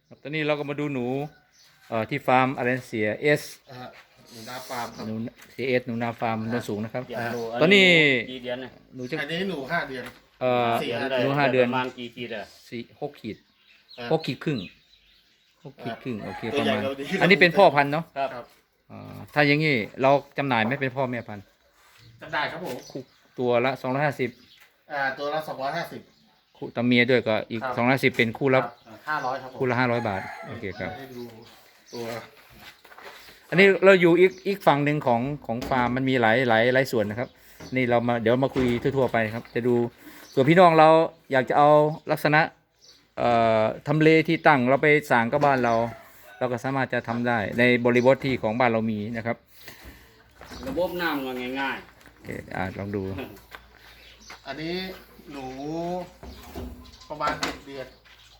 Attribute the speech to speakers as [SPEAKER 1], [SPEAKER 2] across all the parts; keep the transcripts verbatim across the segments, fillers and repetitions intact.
[SPEAKER 1] ตอนนี้เราก็มาดูหนูเอ่อที่ฟาร์มอะไรเสียเอส
[SPEAKER 2] อ่าหนูนาฟาร์มครับ
[SPEAKER 1] หนูเสียเอสหนูนาฟาร์มโนนสูงนะครับ
[SPEAKER 3] อยากรู้
[SPEAKER 1] ตอนนี้
[SPEAKER 3] กี่เดือนนะ
[SPEAKER 1] หนูจะ
[SPEAKER 2] อันนี้หนูห้าเดือน
[SPEAKER 1] เอ่อ
[SPEAKER 2] สี่
[SPEAKER 1] หนูห้าเดือน
[SPEAKER 3] ประมาณกี่ขีดอะ
[SPEAKER 1] สี่หกขีด
[SPEAKER 2] อ่า
[SPEAKER 1] หกขีดครึ่งหกขีดครึ่งโอเค
[SPEAKER 2] ตั
[SPEAKER 1] ป
[SPEAKER 2] ว
[SPEAKER 1] ระ
[SPEAKER 2] ใหญ่
[SPEAKER 1] มาณ
[SPEAKER 2] เราดี
[SPEAKER 1] อันนี้เป็นพ่อพันธุ์เนาะ
[SPEAKER 3] ครับ
[SPEAKER 2] ครับ
[SPEAKER 1] อ่าถ้าอย่างนี้เราจำหน่ายไหม่เป็นพ่อแม่พันธุ์
[SPEAKER 2] จำได้ครับผม
[SPEAKER 1] คู่ตัวละสองร้อยห้าสิบ
[SPEAKER 2] อ่าตัวละสองร้อยห้าสิบ
[SPEAKER 1] คู่ตาเมียด้วยก็อีก
[SPEAKER 2] ครับ
[SPEAKER 1] สองร้อยสิบเป็นคู่ละ
[SPEAKER 2] ห้าร้อยครับผม
[SPEAKER 1] คู่ละห้าร้อยบาทโอเคครับ
[SPEAKER 2] ให้ดูตัว
[SPEAKER 1] อันนี้เราอยู่อีกอีกฝั่งหนึ่งของของฟาร์มมันมีหลายหลายหลายส่วนนะครับ นี่เรามาเดี๋ยวมาคุยทั่วๆไปครับ จะดูส่วนพี่น้องเราอยากจะเอาลักษณะเอ่อทำเลที่ตั้งเราไปสร้างกับบ้านเรา เราก็สามารถจะทำได้ในบริบทที่ของบ้านเรามีนะครับ
[SPEAKER 3] ระบบน้ำก็ง่าย
[SPEAKER 1] โอเคอ่าลองดู
[SPEAKER 2] อันนี้หนูประมาณเจ็ดเดือน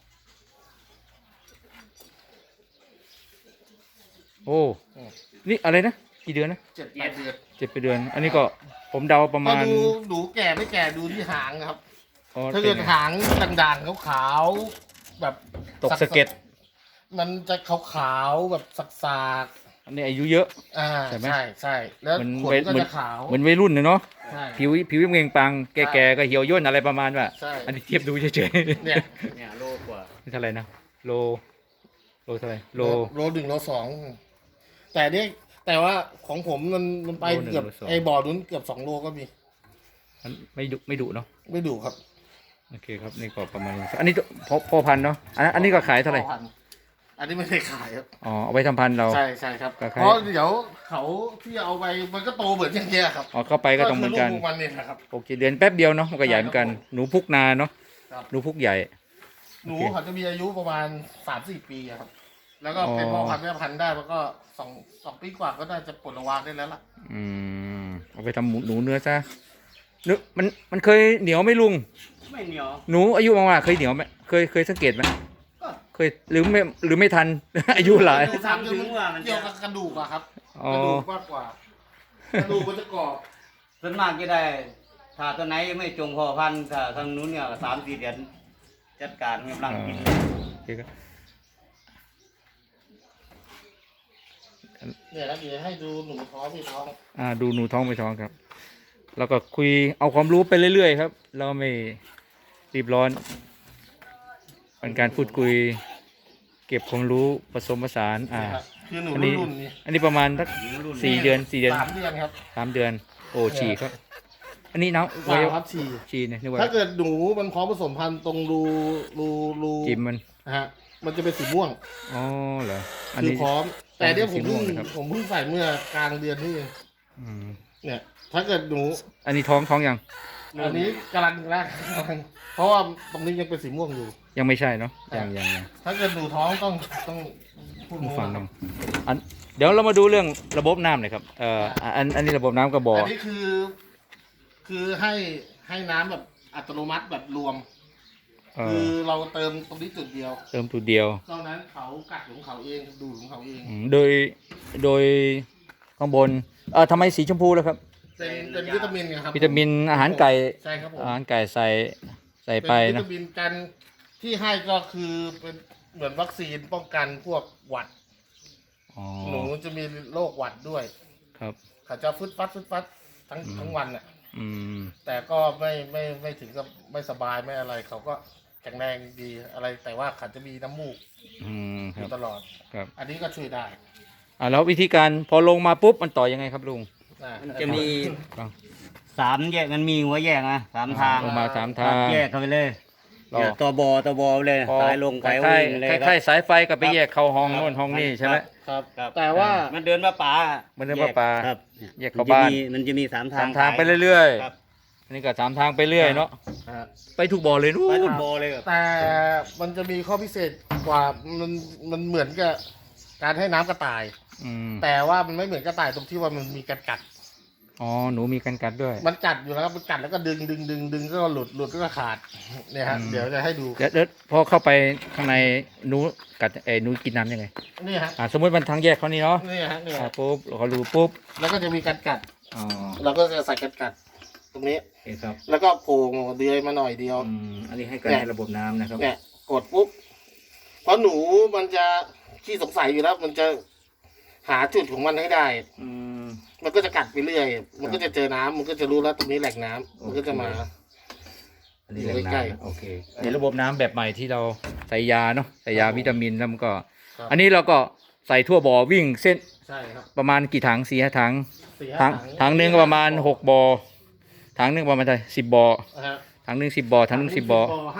[SPEAKER 1] โอ้นี่อะไรนะกี่เดือนนะ
[SPEAKER 2] เจ็ดแปดเดือน
[SPEAKER 1] เจ็ดไปเดือน อันนี้ก็ผมเดาประ
[SPEAKER 2] ก็
[SPEAKER 1] มาณ
[SPEAKER 2] ดูหนูแก่ไม่แก่ดูที่หางครับ
[SPEAKER 1] อ๋อ
[SPEAKER 2] ถ้าเกิด
[SPEAKER 1] เป็นไง
[SPEAKER 2] หางด่างๆขาวๆแบบ
[SPEAKER 1] ตกสะเก็ด
[SPEAKER 2] มันจะขาวๆแบบสัก
[SPEAKER 1] อันนี้อายุเยอะ
[SPEAKER 2] ๆอ่า
[SPEAKER 1] ใช่ไหม
[SPEAKER 2] ใช่ใช่แล้ว
[SPEAKER 1] มัน
[SPEAKER 2] ขน
[SPEAKER 1] วัย
[SPEAKER 2] ก็
[SPEAKER 1] เหมือน
[SPEAKER 2] จะขาว
[SPEAKER 1] เหมือนวัยรุ่นนะเนาะ
[SPEAKER 2] ใช่
[SPEAKER 1] ผิวผิวเงงปังแก่ๆก็เหี่ยวย่นอะไรประมาณว่า
[SPEAKER 2] ใช่
[SPEAKER 1] อันนี้เทียบดูเฉยๆ
[SPEAKER 2] เนี่ย
[SPEAKER 3] ๆเนี่ยโลกว่า
[SPEAKER 1] นี่เท่าไหร่นะโลโลเท่าไหร่โล
[SPEAKER 2] โลหนึ่งโลสองแต่เนี่ยแต่ว่าของผมมันมันไป
[SPEAKER 1] โลหนึ่ง
[SPEAKER 2] เกือบ
[SPEAKER 1] โลสอง
[SPEAKER 2] ไอ้บ่อนุ้นเกือบสองโลก็มี
[SPEAKER 1] มันไม่ดุไม่ดุเนาะ
[SPEAKER 2] ไม่ดูครับ
[SPEAKER 1] โอเคครับนี่ก็ประมาณนี้อันนี้พอพอพันธุ์เนาะอันนั้นอันนี้ก็ขายเท่าไหร่
[SPEAKER 2] พ่อพันธุ์อันนี้ไม่ได้ขายครับ
[SPEAKER 1] อ๋อเอาไว้ทำพันธุ์เรา
[SPEAKER 2] ใช่ใช่ครับ
[SPEAKER 1] ก็ขาย
[SPEAKER 2] เพราะเดี๋ยวเขาที่เอาไปมันก็โตเหมือนอย่างเงี้ยครับ
[SPEAKER 1] อ๋อเข้าไปก็ต้องเหมือนกัน
[SPEAKER 2] คืลูมันเนี่ยนะครับ
[SPEAKER 1] โอเคเดือนแป๊บเดียวเนาะมันก็ใหญ่เหมือนกันหนูพุกนาเนาะ
[SPEAKER 2] ครับ
[SPEAKER 1] หนูพุกใหญ่
[SPEAKER 2] หนู
[SPEAKER 1] โอเค
[SPEAKER 2] เขาจะมีอายุประมาณสามสี่ปีอะครับ แล้วก็เป็น
[SPEAKER 1] อ๋อ
[SPEAKER 2] พ่อพันธุ์แม่พันธุ์ได้แล้วก็สองสองปีกว่าก็น่าจะปลดระวางได้แล้วล่ะ
[SPEAKER 1] อืมเอาไปทำหมูหนูเนื้อซะเนื้อมันมันเคยเหนียวไหม่ลุง
[SPEAKER 3] ไม่เหนียว
[SPEAKER 1] หนูอายุมากๆเคยเหนียวไหมเคยเคยสังเกตไหมเคยหรือไม่หรือไม่ทัน อายุหลาย
[SPEAKER 2] ดูสามถึงว่ามันเกี่ยวกับกระดูกอะครับ
[SPEAKER 1] อ๋อก
[SPEAKER 2] ระดูกมากกว่า กระดูกมันจะกรอบ
[SPEAKER 3] ส่วนมากจะได้ ถ้าตัวไหนไม่จงพอพันธุ์ถ้าทางนู้นเนี่ยสามสี่เดือนจัดการกำลังกิน
[SPEAKER 1] โอเคครับ
[SPEAKER 2] เนี่ยแล้วเดี๋ยวให้ดูหนูท้องพี่ท้อง
[SPEAKER 1] อ่าดูหนูท้องไปท้องครับ แล้วก็คุยเอาความรู้ไปเรื่อยๆครับ เราไม่รีบร้อนเป็นการพูดคุย เก็บความรู้ผสมผสานอ่า
[SPEAKER 2] นะครับคือหนู
[SPEAKER 1] อันนี้
[SPEAKER 2] รุ่นๆนี่
[SPEAKER 1] อันนี้ประมาณสักสี่เดือนสี่เดือน
[SPEAKER 2] สามเดือนครับ
[SPEAKER 1] สามเดือน โอ้ฉี่ครับ อันนี้น้อง
[SPEAKER 2] สามครับฉี่
[SPEAKER 1] ฉี่เนี่ยนึกว่า
[SPEAKER 2] ถ้าเกิดหนูมันพร้อมผสมพันธุ์ตรงรูรูรู
[SPEAKER 1] จิ้มมัน
[SPEAKER 2] นะฮะมันจะเป็นสีม่วง
[SPEAKER 1] อ๋อเหรออัน
[SPEAKER 2] คือ
[SPEAKER 1] นี้
[SPEAKER 2] พร้อม แต่เนี่ยผมเพิ่ง
[SPEAKER 1] สีม่วงนะครับ
[SPEAKER 2] ผมเพิ่งใส่เมื่อกลางเดือนนี่เอง
[SPEAKER 1] อืม
[SPEAKER 2] เนี่ย ถ้าเกิดหนู
[SPEAKER 1] อันนี้ท้องท้องยัง
[SPEAKER 2] อันนี้กำลังแรกกำลังเพราะว่าตรงนี้ยังเป็นสีม่วงอยู่
[SPEAKER 1] ยังไม่ใช่เนาะ
[SPEAKER 2] ครับ
[SPEAKER 1] ยังยังยัง
[SPEAKER 2] ถ้าเกิดหนูท้องต้องต้องพูด
[SPEAKER 1] ผู้
[SPEAKER 2] โม้
[SPEAKER 1] ฟัง
[SPEAKER 2] ค
[SPEAKER 1] น้
[SPEAKER 2] รับ
[SPEAKER 1] องอันเดี๋ยวเรามาดูเรื่องระบบน้ำหน่อยครับเอ่ออันอันนี้ระบบน้ำกระบอก
[SPEAKER 2] อันนี้คือ คือให้ให้น้ำแบบอัตโนมัติแบบรวม
[SPEAKER 1] เอ่
[SPEAKER 2] คือ
[SPEAKER 1] อ
[SPEAKER 2] เราเติมตรงนี้จุดเดียว
[SPEAKER 1] เติมตัวเดียว
[SPEAKER 2] นอกนั้นเขากัดของเขาเองดูดของเขาเอง
[SPEAKER 1] อืมโดยโดยข้างบนเอ่อทำไมสีชมพูแล้วครับ
[SPEAKER 2] เป็นเป็นวิตามินไงครับ
[SPEAKER 1] วิตามินอาหารไก่
[SPEAKER 2] ใช่ครับผม
[SPEAKER 1] อาหารไก่ใส่ใส่ไป
[SPEAKER 2] เป็นวิ
[SPEAKER 1] นะ
[SPEAKER 2] ตามินกันที่ให้ก็คือเป็นเหมือนวัคซีนป้องกันพวกหวัด
[SPEAKER 1] อ๋อ
[SPEAKER 2] หนูจะมีโรคหวัดด้วย
[SPEAKER 1] ครับ
[SPEAKER 2] เขาจะฟึดฟัดฟึดฟัดทั้ง
[SPEAKER 1] อืม
[SPEAKER 2] ทั้งวันอ่ะ
[SPEAKER 1] อืม
[SPEAKER 2] แต่ก็ไม่ไม่ไม่ถึงกับไม่สบายไม่อะไร เขาก็แข็งแรงดีอะไร แต่ว่าเขาจะมีน้ำมูก
[SPEAKER 1] อืม
[SPEAKER 2] อ
[SPEAKER 1] ครับ
[SPEAKER 2] ยู่ตลอด
[SPEAKER 1] ครับ
[SPEAKER 2] อันนี้ก็ช่วยได้
[SPEAKER 1] อ่าแล้ววิธีการพอลงมาปุ๊บมันต่อยังไงครับลุง
[SPEAKER 2] นะ
[SPEAKER 3] มันจะมี
[SPEAKER 1] ฟัง
[SPEAKER 3] สามแยกมันมีหัวแยกนะสามทาง
[SPEAKER 1] ลงมาสามทาง
[SPEAKER 3] แยกเข้าไปเลย
[SPEAKER 1] รอ
[SPEAKER 3] เนี่ยตัวบอตัวบอเลย
[SPEAKER 1] พอ
[SPEAKER 3] สายลง
[SPEAKER 1] ค
[SPEAKER 3] สาย
[SPEAKER 1] ล้าย
[SPEAKER 3] วิ่งเลย
[SPEAKER 1] ๆคล้ายๆสายไฟกับไปแยกเข้าห้องโน่นห้องนี่ใช่ไหม
[SPEAKER 2] ครับ
[SPEAKER 3] ครับ
[SPEAKER 2] แต่ว่า
[SPEAKER 3] มันเดินมาป่า
[SPEAKER 1] มันเดินมาป่า
[SPEAKER 3] ครับ
[SPEAKER 1] แยกเข้าบ้าน
[SPEAKER 3] มันจะมีมันจะมีสามทา
[SPEAKER 1] สาง มทางไปเรื่อย
[SPEAKER 3] ครับ
[SPEAKER 1] ๆอันนี้ก็สามทางไปเรื่อยเนาะ
[SPEAKER 2] อ่า
[SPEAKER 1] ไปถูกบ่อเลยนู่
[SPEAKER 3] ไปทุ
[SPEAKER 1] น
[SPEAKER 3] กบอเลยครับ
[SPEAKER 2] แต่มันจะมีข้อพิเศษกว่ามันมันเหมือนกับการให้น้ำกระต่าย
[SPEAKER 1] อืม
[SPEAKER 2] แต่ว่ามันไม่เหมือนกระต่ายตรงที่ว่ามันมีการกัด
[SPEAKER 1] อ๋อหนูมีกันกัดด้วย
[SPEAKER 2] มันกัดอยู่แล้วครับมันกัดแล้วก็ดึงดึงดึงดึงก็หลุดหลุดก็ขาดเนี่ยฮะ
[SPEAKER 1] อืม
[SPEAKER 2] เดี๋ยวจะให้ดู
[SPEAKER 1] เดี๋ยวเดี๋ยวพอเข้าไปข้างในหนูกัดเอ้ยหนูกินน้ำยังไง
[SPEAKER 2] นี่ฮะ
[SPEAKER 1] อ่าสมมติมันทางแยกเขานี่เนาะ
[SPEAKER 2] นี่ฮะนี่
[SPEAKER 1] อ่า
[SPEAKER 2] ฮะ
[SPEAKER 1] ปุ๊บเขารูปุ๊บ
[SPEAKER 2] แล้วก็จะมีการกัด
[SPEAKER 1] อ๋อ
[SPEAKER 2] เราก็จะใส่การกัด ตรงนี้
[SPEAKER 1] โอเคครับ
[SPEAKER 2] แล้วก็โผล่เดือยมาหน่อยเดียว
[SPEAKER 1] อืมอันนี้ให้การให้ระบบน้ำนะครับ
[SPEAKER 2] เนี่ยกดปุ๊บเพราะหนูมันจะขี้สงสัยอยู่แล้ว มันจะหาจุดของมันให้ได้
[SPEAKER 1] อืม
[SPEAKER 2] มันก็จะกัดไปเรื่อย มันก็จะเจอน้ำมันก็จะรู้แล้วตรงนี้แหล่งน้ำมันก็จะมา
[SPEAKER 1] อันนี้แหล่ง
[SPEAKER 2] อยู่ใกล้
[SPEAKER 1] น้ำโอเคในระบบน้ำแบบใหม่ที่เราใส่ยาเนาะใส่ยาวิตามินแล้วมันก็
[SPEAKER 2] ครับ
[SPEAKER 1] อันนี้เราก็ใส่ทั่วบ่อวิ่งเส้น
[SPEAKER 2] ใช่ครับ
[SPEAKER 1] ประมาณกี่ถังสี่ห้าถัง
[SPEAKER 2] สี่
[SPEAKER 1] ถั
[SPEAKER 2] ห้าง
[SPEAKER 1] ถังหนึ่งก็ประมาณหกบ่อถังหนึ่งประมาณเท่าไหร่สิบบ่อ
[SPEAKER 2] นะฮะ
[SPEAKER 1] ถังหนึ่งสิบบ่อถังหนึ่งสิบบ่อ
[SPEAKER 2] ห้า